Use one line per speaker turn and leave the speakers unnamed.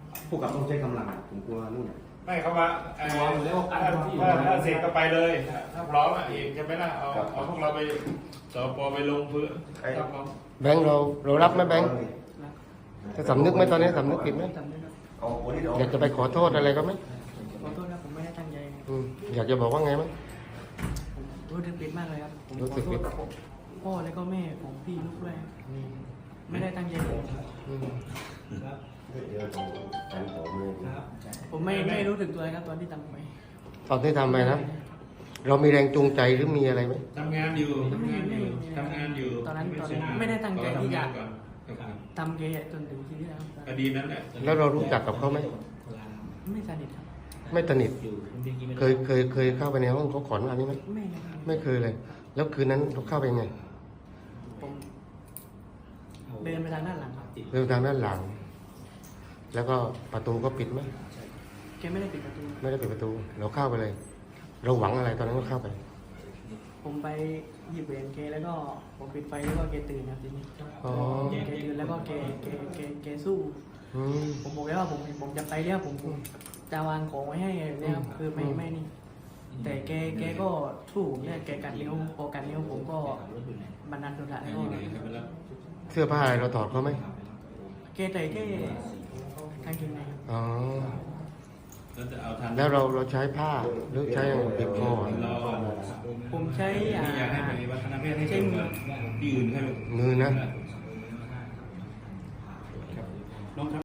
ผู้กับต้องใช้กำลังผมกลัวนู่น
ไม่เขาว่าถ้าเสร็จก็ไปเลยถ้าพร้อมอ่ะเองจะไม่ล่ะเอาพวกเราไปสปไปลงเพื่อ
แบงค์เรารับไหมแบงค์จะสำนึกไหมตอนนี้สำนึกผิดไหม
จำได้ครับ
อยากจะไปขอโทษอะไรก็ไหม
ขอโทษนะผมไม่ได้ตั้งใจนะ
อยากจะบอกว่าไงไหม
ผมรู้สึกผิดมากเลยครับผม
รู้
ข
สึ
อก โท
ผิ
ษ
ด
พ่อและก็แม่ของพี่ลูกด้วยไม่ได้ตั้งใจเลย
อืม
ผมไม่รู้สึกตัวเลยครับตอนที่ทำไป
ตอนที่ทำไปนะเรามีแรงจูงใจหรือมีอะไรไหม
ทำงานอยู่ทำงานอยู่
ตอนนั้นไม่ได้ตั้งใจที่จะทำเกย์จนถึงที่นี่แล้ว
คดีนั้นแหละ
แล้วเรารู้จักกับเขาไหม
ไม่สนิทครับ
ไม่สนิทเคยเข้าไปในห้องเขาก่อนหน้านี้ไหม
ไม่นะครับ
ไม่เคยเลย แล้วคืนนั้นเราเข้าไปยังไง
ผมเดินไปทางด้านหลังครับ
เดินทางด้านหลัง แล้วก็ประตูก็ปิดไหม
แกไม่ได้ปิดประตู
ไม่ได้ปิดประตู เราเข้าไปเลย เราหวังอะไรตอนนั้นก็เข้าไป
ผมไปหยิบเหรียญแกแล้วก็ผมปิดไฟแล้วก็แกตื่นครับทีนี้
อ๋อ
แกตื่นแล้วก็แกสู้
อืม
ผมบอกแล้วว่าผมจะไปแล้วผมจะวางของไว้ให้เนี่ยครับคือไม่นี่ แต่แกก็สู้ผมเนี่ยแกกัดนิ้วพอกัดนิ้วผมก็บันดาลโทสะแล้วก็
เสื้อผ้าอะไรเราถอดเขาไหม
แกใส่แค่กางเกงในครับ
อ๋อ
แล้วจะเอาทัน
แล้วเราใช้ผ้าหรือใช้ปิดคอ
ผมใช้
อยากให้ไปวัฒนธรรมให้เช่นที่อื่นให้
มือนะ
น้องครับ